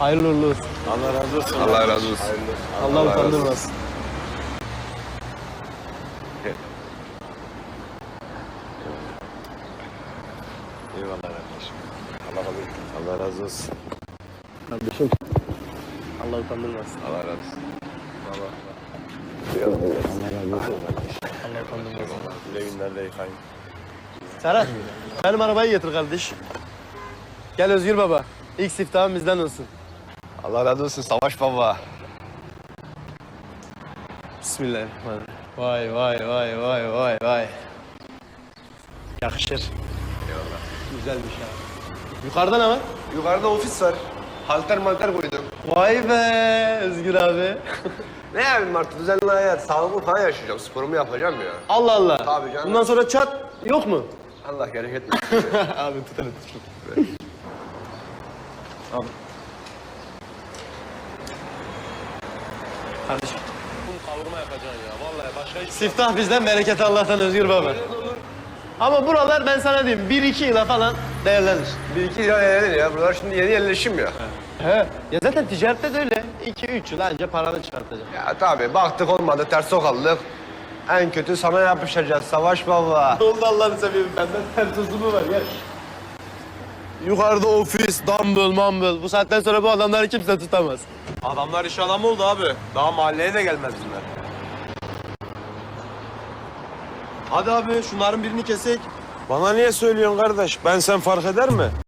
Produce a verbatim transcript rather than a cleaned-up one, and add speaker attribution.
Speaker 1: Hayırlı uğurlu olsun.
Speaker 2: Allah razı olsun.
Speaker 3: Allah razı olsun.
Speaker 1: Allah,
Speaker 3: Allah razı
Speaker 1: utandırmasın.
Speaker 2: Eyvallah kardeşim. Allah kabul etsin. Allah razı olsun.
Speaker 1: Kardeşim. Allah utandırmasın.
Speaker 3: Allah razı olsun.
Speaker 2: Allah razı olsun kardeşim.
Speaker 1: Allah utandırmasın.
Speaker 2: Güle günlerle yıkayın.
Speaker 1: Serhat, benim arabayı getir kardeş. Gel Özgür baba. İlk siftahın bizden olsun.
Speaker 3: Allah razı olsun Savaş baba.
Speaker 1: Bismillahirrahmanirrahim. Vay vay vay vay vay vay. Yakışır.
Speaker 3: Eyvallah.
Speaker 1: Güzel bir şey abi. Yukarıda ne var?
Speaker 3: Yukarıda ofis var. Halter malter koydum.
Speaker 1: Vay be Özgür abi.
Speaker 3: Ne yapayım artık düzenli hayat. Sağlıklı falan yaşayacağım. Sporumu yapacağım ya.
Speaker 1: Allah Allah.
Speaker 3: Tabii canım.
Speaker 1: Bundan sonra çat yok mu?
Speaker 3: Allah gerek etmesin.
Speaker 1: Abi tut hele tut. Abi. Kardeşim.
Speaker 2: Kavurma yapacaksın ya. Vallahi başka hiç
Speaker 1: Siftah bizden, bereket Allah'tan Özgür baba. Ama buralar ben sana diyeyim bir iki yıla falan değerlenir.
Speaker 3: Bir iki lira yerler ya. Buralar şimdi yeni yerleşim ya.
Speaker 1: He. Ya zaten ticarette de öyle. iki üç yıl anca paranı çıkartacak.
Speaker 3: Ya tabii baktık olmadı ters sokaldık. En kötü sana yapışacağız Savaş baba.
Speaker 1: Ne oldu Allah'ını seveyim benden ters uzumu var gel. Yukarıda ofis, dumbbell, mumble. Bu saatten sonra bu adamları kimse tutamaz.
Speaker 2: Adamlar iş adamı oldu abi. Daha mahalleye de gelmez bunlar. Hadi abi şunların birini kesek. Bana niye söylüyorsun kardeş? Ben sen fark eder mi?